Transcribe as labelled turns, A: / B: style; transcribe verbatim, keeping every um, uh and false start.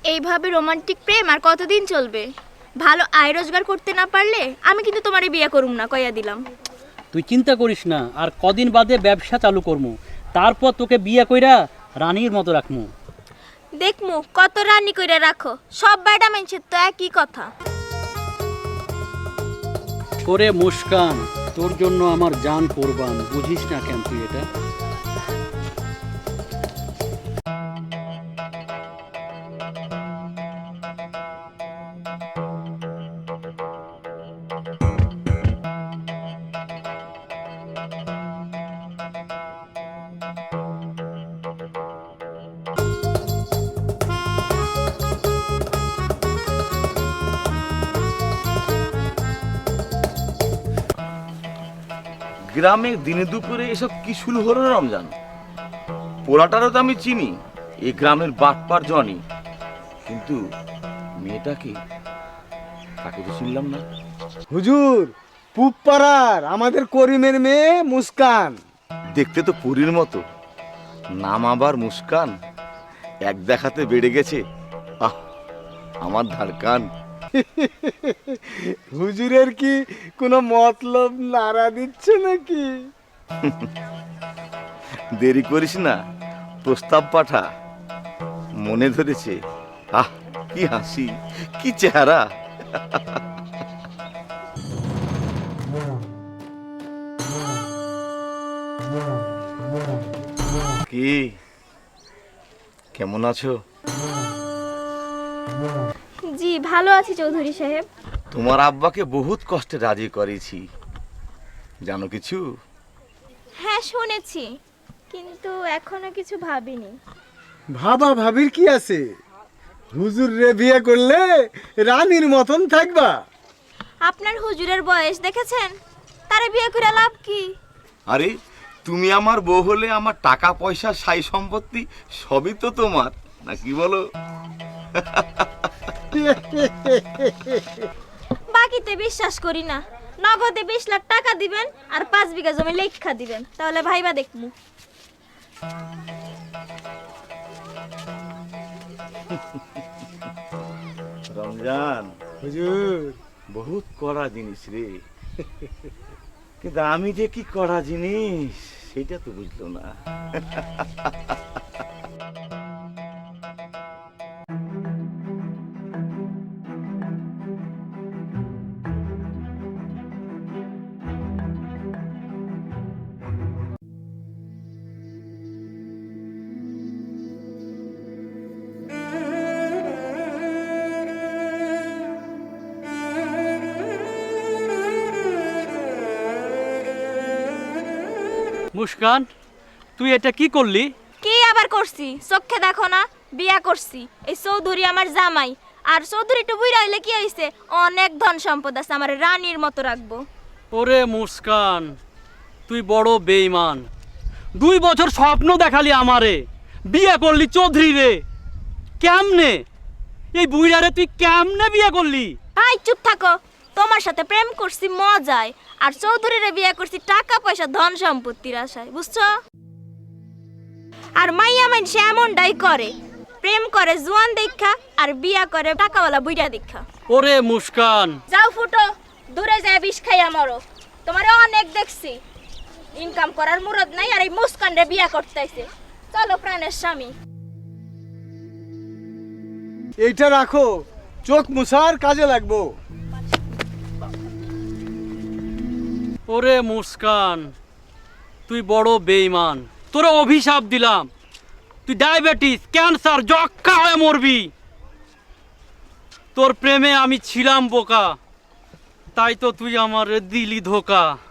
A: এইভাবে রোমান্টিক প্রেম আর কতদিন চলবে? ভালো আয় রোজগার করতে না পারলে আমি কিন্তু তোমারে বিয়ে করুম না, কইয়া দিলাম।
B: তুই চিন্তা করিস না, আর কদিন বাদে ব্যবসা চালু করমু, তারপর তোকে বিয়ে কইরা রানীর মতো রাখমু।
A: দেখমু কত রানী কইরা রাখো, সব বেটা মানুষের তো একই কথা।
B: ওরে মুস্কান, তোর জন্য আমার জান কোরবান, বুঝিস না কেন তুই এটা?
C: গ্রামে দিনে দুপুরে এসব কি শুরু হলো রমজান? পোলাটারও তো আমি চিনি, এই গ্রামের বাটপার জনি, কিন্তু মেয়েটাকে তাকে তো চিনলাম না।
D: হুজুর, পূব পাড়ার আমাদের করিমের মেয়ে মুস্কান।
C: দেখতে তো পুরীর মতো, নাম আবার মুস্কান, এক দেখাতে বেড়ে গেছে। আহ, আমার ধারকান।
D: হুজুরের কি কোনো মতলব নাড়া দিচ্ছে নাকি?
C: দেরি করিস না, প্রস্তাব পাঠা, মনে ধরেছে। আহ, কি হাসি, কি চেহারা। কি কেমন আছো?
A: জি ভালো আছি চৌধুরী সাহেব।
C: তোমার আব্বাকে বহুত কষ্টে রাজি করেছি, জানো কিছু?
A: হ্যাঁ শুনেছি, কিন্তু এখনো কিছু ভাবিনি।
D: ভাবা ভাবির কি আছে? হুজুর রে বিয়ে করলে রানীর মতন থাকবা।
A: আপনার হুজুরের বয়স দেখেছেন? তারে বিয়ে করে লাভ কি?
C: আরে তুমি আমার বউ হলে আমার টাকা পয়সা সাই সম্পত্তি সবই তো তোমার, না কি বলো?
A: বাকিতে বিশ্বাস করি না। নগদে বিশ লাখ টাকা দিবেন আর পাঁচ বিঘা জমি লেখা দিবেন, তাহলে ভাইবা দেখমু।
C: রমজান,
D: হুজুর,
C: বহুত কড়া জিনিস রে, কিন্তু আমি যে কি কড়া জিনিস সেটা তো বুঝলো না।
B: মুস্কান, তুই এটা কি করলি?
A: কি আবার করছি? চোখে দেখো না, বিয়া করছি। এই চৌধুরী আমার জামাই, আর চৌধুরী টু বুইরা হইলে কি হইছে? অনেক ধন সম্পদ আছে, আমার রানীর মতো রাখবো।
B: ওরে মুস্কান, তুই বড় বেঈমান। দুই বছর স্বপ্ন দেখালি আমারে, বিয়ে করলি চৌধুরী রে। কেমনে এই বুইড়ারে তুই কেমনে বিয়ে করলি?
A: ভাই চুপ থাকো। তোমার সাথে প্রেম করছি মজায়, আর চৌধুরীরে বিয়ে করছি টাকা পয়সা ধন সম্পত্তির আশায়, বুঝছো? আর মাইয়া মানুষ এমনটাই করে, প্রেম করে জোয়ান দেখা আর বিয়া করে টাকাওয়ালা বুইড়া দেখা।
B: ওরে মুস্কান,
A: যাও ফুটো, দূরে যায় বিষ খাইয়া মরো। তোমারে অনেক দেখছি, ইনকাম করার মুরদ নাই, আর এই মুস্কানরে বিয়া করতেছে। চলো প্রাণের স্বামী।
D: এইটা রাখো, চোখ মুছার কাজে লাগবো।
B: ওরে মুস্কান, তুই বড় বেঈমান। তোরা অভিশাপ দিলাম, তুই ডায়াবেটিস, ক্যান্সার, যক্ষ্মা হয়ে মরবি। তোর প্রেমে আমি ছিলাম বোকা, তাই তো তুই আমার দিলি ধোকা।